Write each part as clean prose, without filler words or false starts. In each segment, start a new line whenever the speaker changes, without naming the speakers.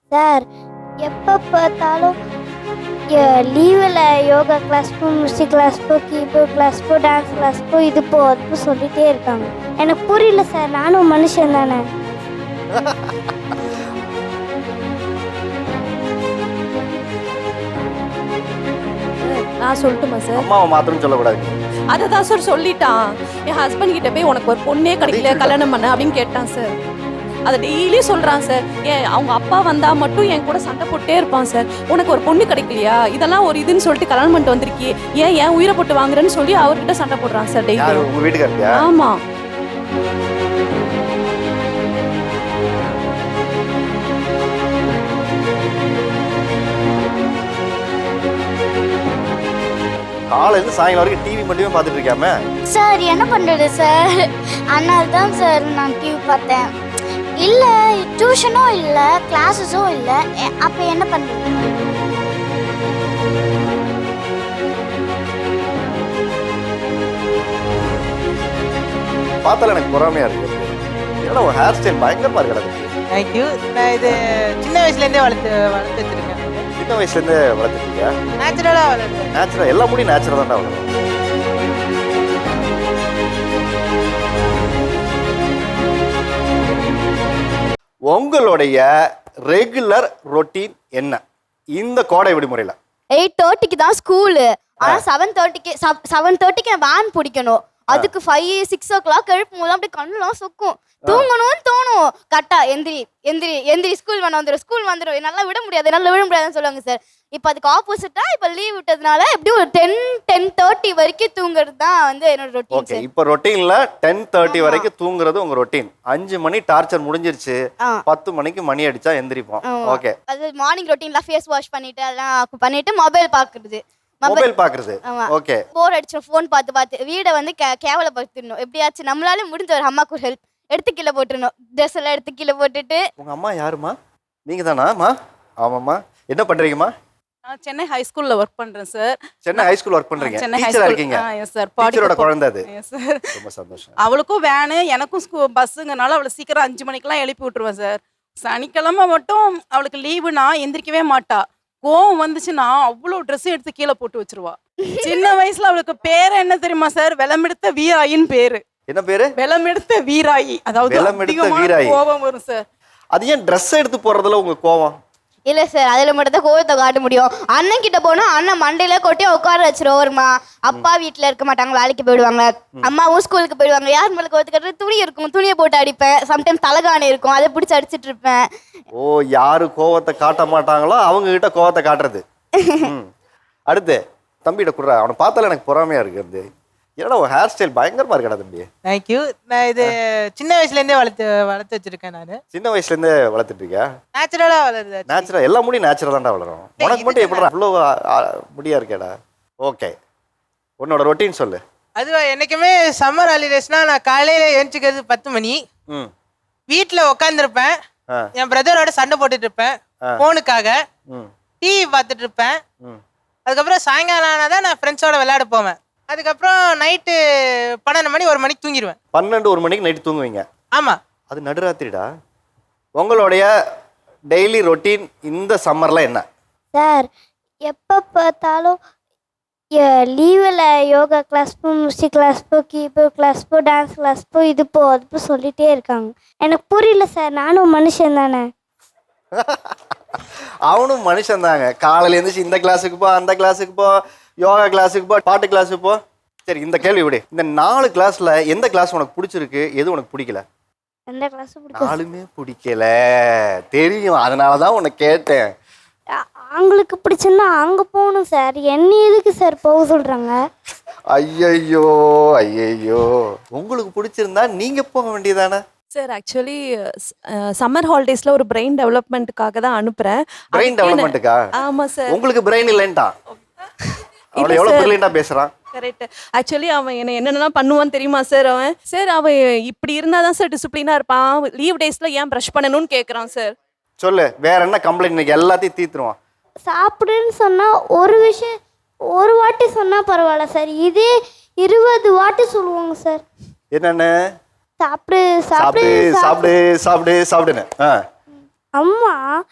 Sir எப்போ பார்த்தாலும் லீவில் யோகா கிளாஸ் போ, மியூசிக் கிளாஸ் போ, கீபோர்ட் கிளாஸ் போ, டான்ஸ் கிளாஸ் போ, இது போ அது போ சொல்லிகிட்டே இருக்காங்க. எனக்கு புரியல சார், நானும் மனுஷன் தானே.
நான் சொல்லட்டுமா சார்?
அம்மாவை மாத்திரம் சொல்லக்கூடாது.
அதை தான் சார் சொல்லிட்டான். என் ஹஸ்பண்ட் கிட்ட போய் உனக்கு ஒரு பொண்ணே கிடைக்கல கல்யாணம் பண்ண அப்படின்னு கேட்டான் சார். அதை டெய்லி சொல்கிறான் சார். அவங்க அப்பா வந்தால் மட்டும் என் கூட சண்டை போட்டே இருப்பான் சார். உனக்கு ஒரு பொண்ணு கிடைக்கலையா, இதெல்லாம் ஒரு இதுன்னு சொல்லிட்டு கல்யாணம் பண்ணிட்டு வந்திருக்கி, ஏன் உயிரை போட்டு வாங்குறேன்னு சொல்லி அவர்கிட்ட சண்டை போடுறான் சார் டெய்லி.
உங்க வீட்டுக்காரியா?
ஆமாம்.
காலையில சாயங்காலம் வரைக்கும் டிவி மட்டுமே பார்த்துட்டு இருக்காம.
சார் என்ன பண்ணுறது சார், அதனால தான் சார் நான் டிவி பார்த்தேன். இல்லை டியூஷனும் இல்லை கிளாஸஸும் இல்லை, அப்போ என்ன பண்ணுறது?
பார்த்தால எனக்கு பொறாமையா இருக்கு. ஏன்னா உன் ஹேர் ஸ்டைல் பயங்கரமா இருக்கு.
தேங்க்யூ. நான் இது சின்ன வயசுலேருந்தே வளர்த்து வச்சிருக்கேன்.
சின்ன வயசுல இருந்தே வளர்த்துருக்கியா?
நேச்சுரலாக வளர்த்து.
நேச்சுரல், எல்லா முடியும் நேச்சுரல் தான்டா வளரும். உங்களுடைய ரெகுலர் ரொட்டீன் என்ன இந்த கோடை விடுமுறையில?
8:30க்கு தான் ஸ்கூலு, ஆனால் 7:30க்கு வேன் பிடிக்கணும். அதுக்கு 5-6 o'clock எழுப்பும் போது அப்படியே கண்ணுலாம் சொக்கும், தூங்கணும்னு தோணும். கரெக்டா எந்திரி எந்திரி எந்திரி, ஸ்கூல் வந்துடும் என்னால் விட முடியாதுன்னு சொல்லுவாங்க சார். இப்போ அதுக்கு ஆப்போசிட்டா இப்போ லீவ் விட்டதுனால எப்படியும் ஒரு 10-10:30 வரைக்கும் தூங்குறது தான் வந்து என்னோட ரொட்டீன்.
ஓகே, இப்போ ரொட்டீன்ல 10:30 வரைக்கும் தூங்குறது உங்க ரொட்டீன். 5 மணி டார்ச்சர் முடிஞ்சிருச்சு, 10 மணிக்கு மணி அடிச்சா எந்திரிப்போம். ஓகே,
அது மார்னிங் ரொட்டீன்ல ஃபேஸ் வாஷ் பண்ணிட்டு அதெல்லாம் பண்ணிட்டு மொபைல் பாக்குறது.
ஓகே,
போர் அடிச்சு ஃபோன் பார்த்து வீடை வந்து கேவலப்படுத்திடணும். எப்படியாச்சும் நம்மளால முடிஞ்ச ஒரு அம்மாக்கு ஒரு ஹெல்ப், எடுத்து கீழே போட்டுடணும். ட்ரெஸ் எல்லாம் எடுத்து கீழே போட்டுட்டு.
உங்க அம்மா யாருமா? நீங்க தானாமா? ஆமாம்மா. என்ன பண்றீங்கம்மா?
நான் சென்னை ஹை ஸ்கூல்ல ஒர்க் பண்றேன் sir.
Chennai high school work பண்றீங்க?
சென்னை ஹை
டீச்சரா
ஸ்கூல்.
இருக்கீங்க?
Yes sir.
டீச்சரோட குழந்தை அது.
Yes sir.
ரொம்ப சந்தோஷம்.
அவளுக்கும் வேனு எனக்கும் பஸ்ஸுங்கனால அவளை சீக்கிரம் 5 மணிக்கெல்லாம் எழுப்பி விட்டுருவேன் சார். சனிக்கிழமை மட்டும் அவளுக்கு லீவுனா எந்திரிக்கவே மாட்டா. கோவம் வந்துச்சுன்னா அவ்வளோ ட்ரெஸ் எடுத்து கீழே போட்டு வச்சிருவா. சின்ன வயசுல அவளுக்கு பேர் என்ன தெரியுமா சார்? வெளமெடுத்த வீராயின்னு பேரு.
என்ன பேரு?
வெளமெடுத்த வீராயி. அதாவது
வெளமெடுத்த வீராயி.
கோபம் வரும் சார்.
அது ஏன் ட்ரெஸ் எடுத்து போறதுல உங்க கோவம்?
இல்லை சார், அதில் மட்டும் தான் கோவத்தை காட்ட முடியும். அண்ணன் கிட்ட போனால் அண்ணன் மண்டையில கொட்டி உட்கார வச்சிருவோம்மா. அப்பா வீட்டில் இருக்க மாட்டாங்க, வேலைக்கு போயிடுவாங்க. அம்மாவும் ஸ்கூலுக்கு போயிடுவாங்க. யார் மேலே கோவத்தை கட்டுறது? துணி இருக்கும், துணியை போட்டு அடிப்பேன். சம்டைம்ஸ் தலகாணி இருக்கும், அதை பிடிச்சி அடிச்சிட்டு இருப்பேன்.
ஓ, யாரு கோவத்தை காட்ட மாட்டாங்களோ அவங்க கிட்ட கோவத்தை காட்டுறது. அடுத்து தம்பிகிட்ட குடுறா. அவனை பார்த்தால எனக்கு பொறாமையா இருக்கு. ஏன்னா உன் ஹேர் ஸ்டைல் பயங்கரமா இருக்கடா தம்பி.
தேங்க்யூ. நான் இது சின்ன வயசுலேருந்தே வளர்த்து வச்சிருக்கேன். நான்
சின்ன வயசுல இருந்தே வளர்த்துட்டு இருக்கியா?
நேச்சுரலாக வளருது.
நேச்சுரல், எல்லா முடியும் நேச்சுரல் தான்டா வளரும். உனக்கு மட்டும் எப்படிடா அவ்வளோ முடியா இருக்கேடா? ஓகே, உன்னோட ரொட்டீன் சொல்லு.
அது என்னைக்குமே சம்மர் ஹாலிடேஸ்னா நான் காலையில் எழுந்திரிக்கிறது 10 மணி. வீட்டில் உட்காந்துருப்பேன், என் பிரதரோட சண்டை போட்டுட்டு இருப்பேன் ஃபோனுக்காக. டிவி பார்த்துட்டு இருப்பேன். அதுக்கப்புறம் சாயங்காலம் ஆனால் தான் நான் ஃப்ரெண்ட்ஸோட விளையாட போவேன். அதுக்கப்புறம் நைட்டு 12 மணி 1 மணிக்கு தூங்கிடுவேன்.
12-1 மணிக்கு நைட்டு தூங்குவீங்க?
ஆமாம்.
அது நடுராத்திரிடா. உங்களுடைய டெய்லி ரொட்டீன் இந்த சம்மரில் என்ன?
சார் எப்போ பார்த்தாலும் லீவில் யோகா கிளாஸ் போ, மியூசிக் கிளாஸ் போ, கீபோர்ட் கிளாஸ் போ, டான்ஸ் கிளாஸ் போ, இது போ அது போ சொல்லிகிட்டே இருக்காங்க. எனக்கு புரியல சார், நானும் மனுஷன் தானே.
அவனும் மனுஷன் தாங்க. காலையில் எழுந்துச்சு இந்த கிளாஸுக்கு போ, அந்த கிளாஸுக்கு போ, யோகா கிளாஸுக்கு போ, பாட்டு கிளாஸுக்கு போ. சரி, இந்த கேள்வி விடு. இந்த 4 கிளாஸில் எந்த கிளாஸ் உனக்கு பிடிச்சிருக்கு, எது உனக்கு பிடிக்கல?
எந்த கிளாஸ் பிடிக்கும்?
4மே பிடிக்கல தெரியும், அதனால தான் உன்னை கேட்டேன்.
அவங்களுக்கு பிடிச்சுன்னா அங்கே போகணும் சார். என்ன எதுக்கு சார் போக சொல்கிறாங்க?
ஐயையோ ஐயையோ, உங்களுக்கு பிடிச்சிருந்தா நீங்கள் போக வேண்டியதானே?
சார் ஆக்சுவலி சம்மர் ஹாலிடேஸ்ல ஒரு பிரெயின் டெவலப்மெண்ட்டுக்காக தான் அனுப்புறேன்.
பிரெயின் டெவலப்மெண்ட்டுக்கா?
ஆமாம் சார்.
உங்களுக்கு பிரெயின் இல்லைன்ட்டா? அவளை எவ்வளோ பிரில்லியண்டா பேசுகிறான்.
கரெக்ட். ஆக்சுவலி அவன் என்னென்னலாம் பண்ணுவான்னு தெரியுமா சார்? அவன் இப்படி இருந்தால் தான் சார் டிசிப்ளினாக இருப்பான். லீவ் டேஸில் ஏன் ப்ரஷ் பண்ணணும்னு கேட்குறான் சார்.
சொல்லு, வேற என்ன கம்ப்ளைண்ட்? இன்னைக்கு எல்லாத்தையும் தீர்த்துருவான்.
சாப்பிடுன்னு சொன்னால் ஒரு வாட்டி சொன்னால் பரவாயில்ல சார், இதே 20 வாட்டி சொல்லுவாங்க சார்.
என்னென்ன?
சாப்பிடு
சாப்பிடு சாப்பிடு சாப்பிடு சாப்பிடுன்னு.
அம்மா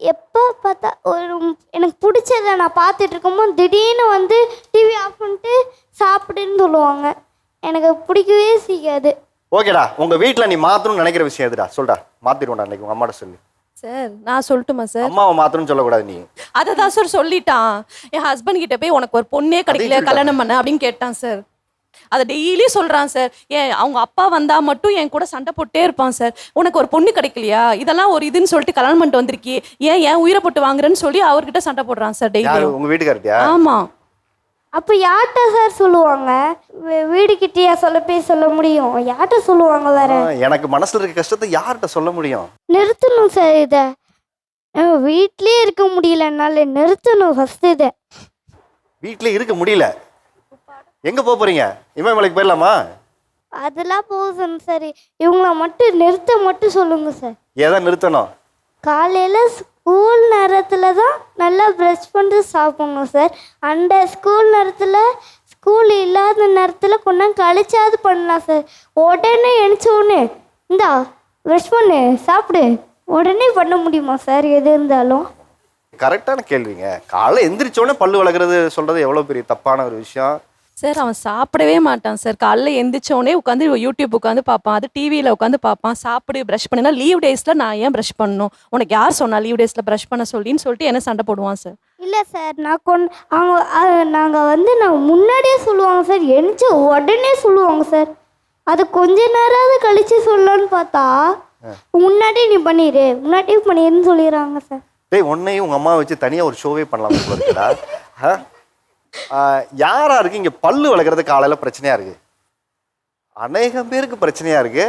எப்போ பார்த்தா எனக்கு பிடிச்சதை நான் பார்த்துட்டு இருக்கும்போது திடீர்னு வந்து டிவி ஆஃப் பண்ணிட்டு சாப்பிடுன்னு சொல்லுவாங்க. எனக்கு பிடிக்கவே செய்யாது.
ஓகேடா, உங்க வீட்ல நீ மாத்தணும்னு நினைக்கிற விஷயம் எதுடா? சொல்டா, மாத்திடுவோம்டா இன்னைக்கு உங்க அம்மாட்ட சொல்லி.
சார் நான் சொல்லட்டுமா சார்?
அம்மாவை மாத்தணும்னு சொல்லக்கூடாது நீ.
அதை தான் சார் சொல்லிட்டான். என் ஹஸ்பண்ட் கிட்ட போய் உனக்கு ஒரு பொண்ணே கிடைக்கல கல்யாணம் பண்ண அப்படின்னு கேட்டான் சார். அதை டெய்லி சொல்கிறான் சார். அவங்க அப்பா வந்தால் மட்டும் என் கூட சண்டை போட்டே இருப்பான் சார். உனக்கு ஒரு பொண்ணு கிடைக்கலையா, இதெல்லாம் ஒரு இதுன்னு சொல்லிட்டு கல்யாணம் பண்ணிட்டு வந்திருக்கி, ஏன் உயிரை போட்டு வாங்குறேன்னு சொல்லி அவர்கிட்ட சண்டை போடுறான் சார் டெய்லி.
உங்க வீட்டுக்காரட்டியா?
ஆமாம்.
அப்போ யார்கிட்ட சார் சொல்லுவாங்க? வீடுகிட்டயா சொல்ல முடியும்? யார்கிட்ட சொல்லுவாங்க வேற?
எனக்கு மனசுல இருக்க கஷ்டத்தை யார்கிட்ட சொல்ல முடியும்?
நிறுத்தணும் சார் இதை. வீட்லயே இருக்க முடியல, என்னால நிறுத்தணும் ஃபர்ஸ்ட் இதை.
வீட்லயே இருக்க முடியல, எங்க போறீங்க? இமயமலைக்கு போயிடலாமா?
அதெல்லாம் போதும் சார். இவங்கள மட்டும் மட்டும் சொல்லுங்க சார்.
ஏதா நிறுத்தணும்?
காலையில் ஸ்கூல் நேரத்தில் தான் நல்லா ப்ரஷ் பண்ணிட்டு சாப்பிடணும் சார். அந்த ஸ்கூல் நேரத்தில் ஸ்கூல் இல்லாத நேரத்தில் கொஞ்சம் கழிச்சாவது பண்ணலாம் சார். உடனே எழுந்த உடனே இந்தா ப்ரஷ் பண்ணு சாப்பிடு உடனே பண்ண முடியுமா சார்? எது இருந்தாலும்
கரெக்டான கேள்விங்க. காலைல எந்திரிச்சோடனே பல்லு வளர்க்குறது சொல்றது எவ்வளோ பெரிய தப்பான ஒரு விஷயம்
சார். அவன் சாப்பிடவே மாட்டான் சார். காலைல எந்திரிச்சோடனே உட்காந்து யூடியூப் உட்காந்து பார்ப்பான், அது டிவியில் உட்காந்து பார்ப்பான். சாப்பிடு ப்ரஷ் பண்ணினா லீவ் டேஸில் நான் ஏன் ப்ரஷ் பண்ணணும், உனக்கு யார் சொன்னா லீவ் டேஸில் ப்ரஷ் பண்ண சொல்லின்னு சொல்லிட்டு என்ன சண்டை போடுவான் சார்.
இல்லை சார், நாங்கள் முன்னாடியே சொல்லுவாங்க சார், எழுந்து உடனே சொல்லுவாங்க சார். அது கொஞ்ச நேரமாவது கழிச்சு சொல்லலான்னு பார்த்தா முன்னாடியே நீ பண்ணிடுன்னு சொல்லிடுறாங்க சார்.
டேய், உன்னையும் உங்க அம்மா வச்சு தனியாக ஒரு ஷோவே பண்ணலாம் போல இருக்குடா. யாரா இருக்கு இங்க பல்லு வளர்க்குறது காலையில பிரச்சனையா இருக்கு? அநேகம் பேருக்கு பிரச்சனையா இருக்கு.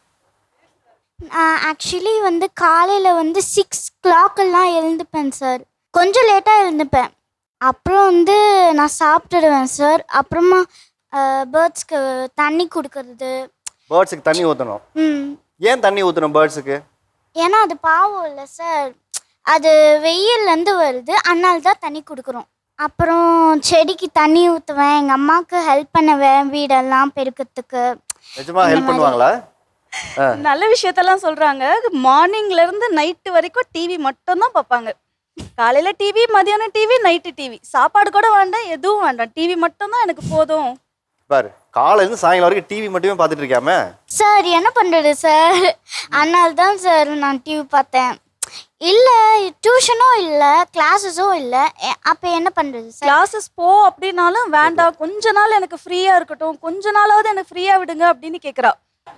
ஆக்சுவலி வந்து காலையில் வந்து 6 o'clock எழுந்துப்பேன் சார். கொஞ்சம் லேட்டாக எழுந்துப்பேன். அப்புறம் வந்து நான் சாப்பிட்டுடுவேன் சார். அப்புறமா பேர்ட்ஸ்க்கு தண்ணி கொடுக்கறது.
பேர்ட்ஸுக்கு தண்ணி ஊற்றணும். ஏன் தண்ணி ஊற்றணும் பேர்ட்ஸுக்கு?
ஏன்னா அது பாவம் இல்லை சார், அது வெயில்லேருந்து வருது, அதனால தான் தண்ணி கொடுக்குறோம். அப்புறம் செடிக்கு தண்ணி ஊற்றுவேன், எங்கள் அம்மாவுக்கு ஹெல்ப் பண்ணுவேன் வீடெல்லாம் பெருக்கிறதுக்கு.
நிஜமா ஹெல்ப் பண்ணுவாங்களா?
நல்ல விஷயத்தெல்லாம் சொல்றாங்க. மார்னிங்ல இருந்து நைட்டு வரைக்கும் டிவி மட்டும் தான் பார்ப்பாங்க. காலையில டிவி, மதியானம் டிவி, நைட்டு டிவி. சாப்பாடு கூட வேண்டாம், எதுவும் வேண்டாம், டிவி மட்டும் தான் எனக்கு போதும்.
பாரு, காலையிலேருந்து சாயங்காலம் வரைக்கும் டிவி மட்டுமே பார்த்துட்டு இருக்காம.
சார் என்ன பண்ணுறது சார், அதனால தான் சார் நான் டிவி பார்த்தேன். இல்லை டியூஷனும் இல்லை கிளாஸஸும் இல்லை, அப்போ என்ன பண்ணுறது சார்?
கிளாஸஸ் போ அப்படின்னாலும் வேண்டாம், கொஞ்ச நாள் எனக்கு ஃப்ரீயா இருக்கட்டும், கொஞ்ச நாளாவது எனக்கு ஃப்ரீயா விடுங்க அப்படின்னு கேட்குறா.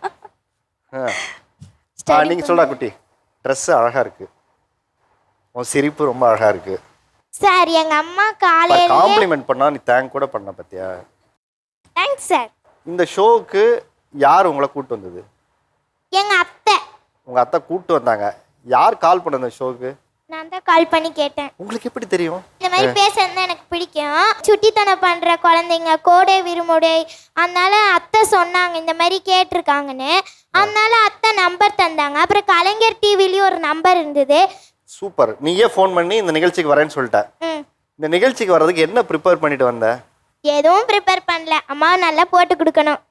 நீங்க சொல்றா குட்டி, ட்ரெஸ் அழகா இருக்கு, உன் சிரிப்பு ரொம்ப அழகா இருக்கு
சார். எங்கள் அம்மா காலையில்
காம்ப்ளிமெண்ட் பண்ணா நீ தேங்க் கூட பண்ண பத்தியா?
Thanks sir.
இந்த ஷோவுக்கு யார் உங்களை கூட்டு வந்தது?
எங்கள் அத்தை.
உங்க அத்தை கூட்டு வந்தாங்க. யார் கால் பண்ண இந்த ஷோவுக்கு?
நான் தான் கால் பண்ணி கேட்டேன்.
உங்களுக்கு எப்படி தெரியும்?
இந்த மாதிரி பேசுறது எனக்கு பிடிக்கும், சுட்டித்தனம் பண்ற குழந்தைங்க கோடை விருமுடை, அதனால அத்தை சொன்னாங்க இந்த மாதிரி கேட்டிருக்காங்கன்னு. அதனால அத்தை நம்பர் தந்தாங்க. அப்புறம் கலைஞர் டிவிலையும் ஒரு நம்பர் இருந்தது.
சூப்பர். நீயே ஃபோன் பண்ணி இந்த நிகழ்ச்சிக்கு வரேன்னு சொல்லிட்ட. இந்த நிகழ்ச்சிக்கு வர்றதுக்கு என்ன ப்ரிப்பேர் பண்ணிட்டு வந்த?
எதுவும் ப்ரிப்பேர் பண்ணல, அம்மா நல்லா போட்டு கொடுக்கணும்.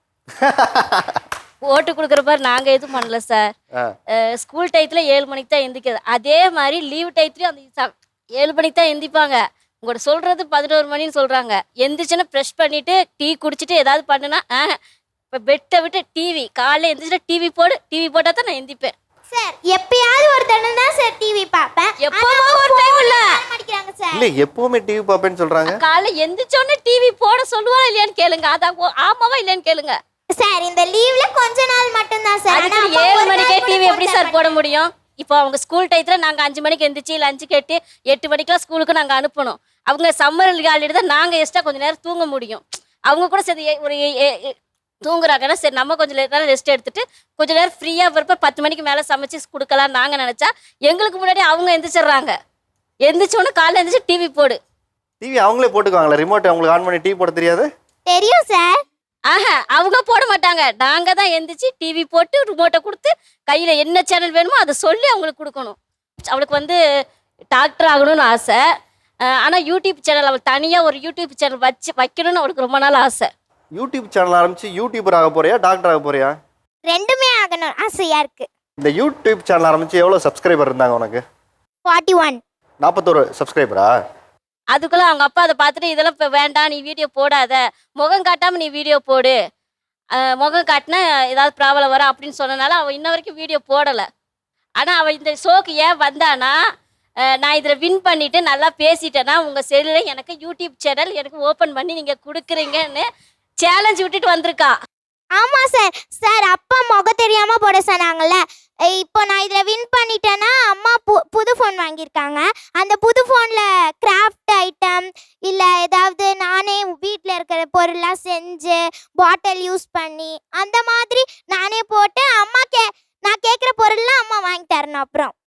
போட்டு கொடுக்குற மாதிரி நாங்கள் எதுவும் பண்ணல சார். ஸ்கூல் டயத்தில் 7 மணிக்கு தான் எந்திக்கிறது. அதே மாதிரி லீவ் டயத்துலையும் அந்த 7 மணிக்கு தான் எந்திப்பாங்க. உங்களோட சொல்கிறது 11 மணின்னு சொல்கிறாங்க. எந்திரிச்சுன்னா ப்ரெஷ் பண்ணிவிட்டு டீ குடிச்சிட்டு ஏதாவது பண்ணுனா இப்போ பெட்டை விட்டு டிவி, காலையில் எந்திரிச்சுன்னா டிவி போட்டால் தான் நான் எந்திப்பேன்
சார். எப்பயாவது ஒரு தடவை தான் சார் டிவி பார்ப்பேன்.
எப்போவோ ஒரு டைம் இல்லை
சார்.
இல்லை, எப்பவுமே டிவி பார்ப்பேன்னு சொல்கிறாங்க.
காலையில் எந்திரிச்சோடனே டிவி போட சொல்லுவா இல்லையான்னு கேளுங்க, அதான் ஆமாவா இல்லையான்னு கேளுங்க
சார். இந்த லீவ்ல கொஞ்ச நாள் மட்டும் தான் சார்.
7 மணிக்கே டிவி எப்படி சார் போட முடியும்? இப்போ அவங்க ஸ்கூல் டயத்தில் நாங்கள் 5 மணிக்கு எந்திரிச்சு லஞ்சு கேட்டு 8 மணிக்கெலாம் ஸ்கூலுக்கு நாங்கள் அனுப்பணும். அவங்க சம்மர் ஹாலிடே தான் நாங்கள் எக்ஸ்ட்ரா கொஞ்சம் நேரம் தூங்க முடியும். அவங்க கூட சரி ஒரு தூங்குறாங்கன்னா சரி நம்ம கொஞ்சம் நேரம் ரெஸ்ட் எடுத்துட்டு கொஞ்சம் நேரம் ஃப்ரீயாக வரப்போ 10 மணிக்கு மேலே சமைச்சு கொடுக்கலாம் நாங்கள் நினச்சா எங்களுக்கு முன்னாடி அவங்க எந்திரிச்சிடுறாங்க. எந்திரிச்சோன்னு காலையில் எந்திரிச்சு டிவி போடு.
டிவி அவங்களே போட்டுக்குவாங்களா? ரிமோட் அவங்களுக்கு ஆன் பண்ணி டிவி போட தெரியாது?
தெரியும் சார்.
அவங்க போட மாட்டாங்க, நாங்கள் தான் எந்திரிச்சு டிவி போட்டு ரிமோட்டை கொடுத்து கையில் என்ன சேனல் வேணுமோ அதை சொல்லி அவங்களுக்கு கொடுக்கணும். அவளுக்கு வந்து டாக்டர் ஆகணும்னு ஆசை. ஆனால் யூடியூப் சேனல் அவள் தனியாக ஒரு யூடியூப் சேனல் வைக்கணும்னு அவளுக்கு ரொம்ப நாள் ஆசை.
யூடியூப் சேனல் ஆரம்பிச்சு யூடியூபர் ஆக போறியா, டாக்டர் ஆக போறியா?
ரெண்டுமே ஆகணும் ஆசையா இருக்கு.
இந்த யூடியூப் சேனல் ஆரம்பிச்சு எவ்வளோ சப்ஸ்கிரைபர் இருந்தாங்க உனக்கு?
41.
41 சப்ஸ்கிரைபரா?
அதுக்குள்ள அவங்க அப்பா அதை பார்த்துட்டு இதெல்லாம் இப்போ வேண்டாம், நீ வீடியோ போடாத, முகம் காட்டாம நீ வீடியோ போடு, முகம் காட்டினா ஏதாவது ப்ராப்ளம் வரும் அப்படின்னு சொன்னனால அவள் இன்ன வரைக்கும் வீடியோ போடலை. ஆனால் அவள் இந்த ஷோக்கு ஏன் வந்தானா, நான் இதில் வின் பண்ணிவிட்டு நல்லா பேசிட்டேன்னா உங்கள் செல்லில் எனக்கு யூடியூப் சேனல் எனக்கு ஓப்பன் பண்ணி நீங்கள் கொடுக்குறீங்கன்னு சேலஞ்ச் விட்டுட்டு வந்திருக்கா.
ஆமாம் சார். சார் அப்பா முகம் தெரியாமல் போட சொன்னாங்கல்ல. இப்போ நான் இதில் வின் பண்ணிட்டேன்னா அம்மா புது ஃபோன் வாங்கியிருக்காங்க. அந்த புது ஃபோனில் கிராஃப்ட் ஐட்டம் இல்லை ஏதாவது நானே வீட்டில் இருக்கிற பொருள்லாம் செஞ்சு பாட்டில் யூஸ் பண்ணி அந்த மாதிரி நானே போட்டு நான் கேட்குற பொருள்லாம் அம்மா வாங்கி தரணும். அப்புறம்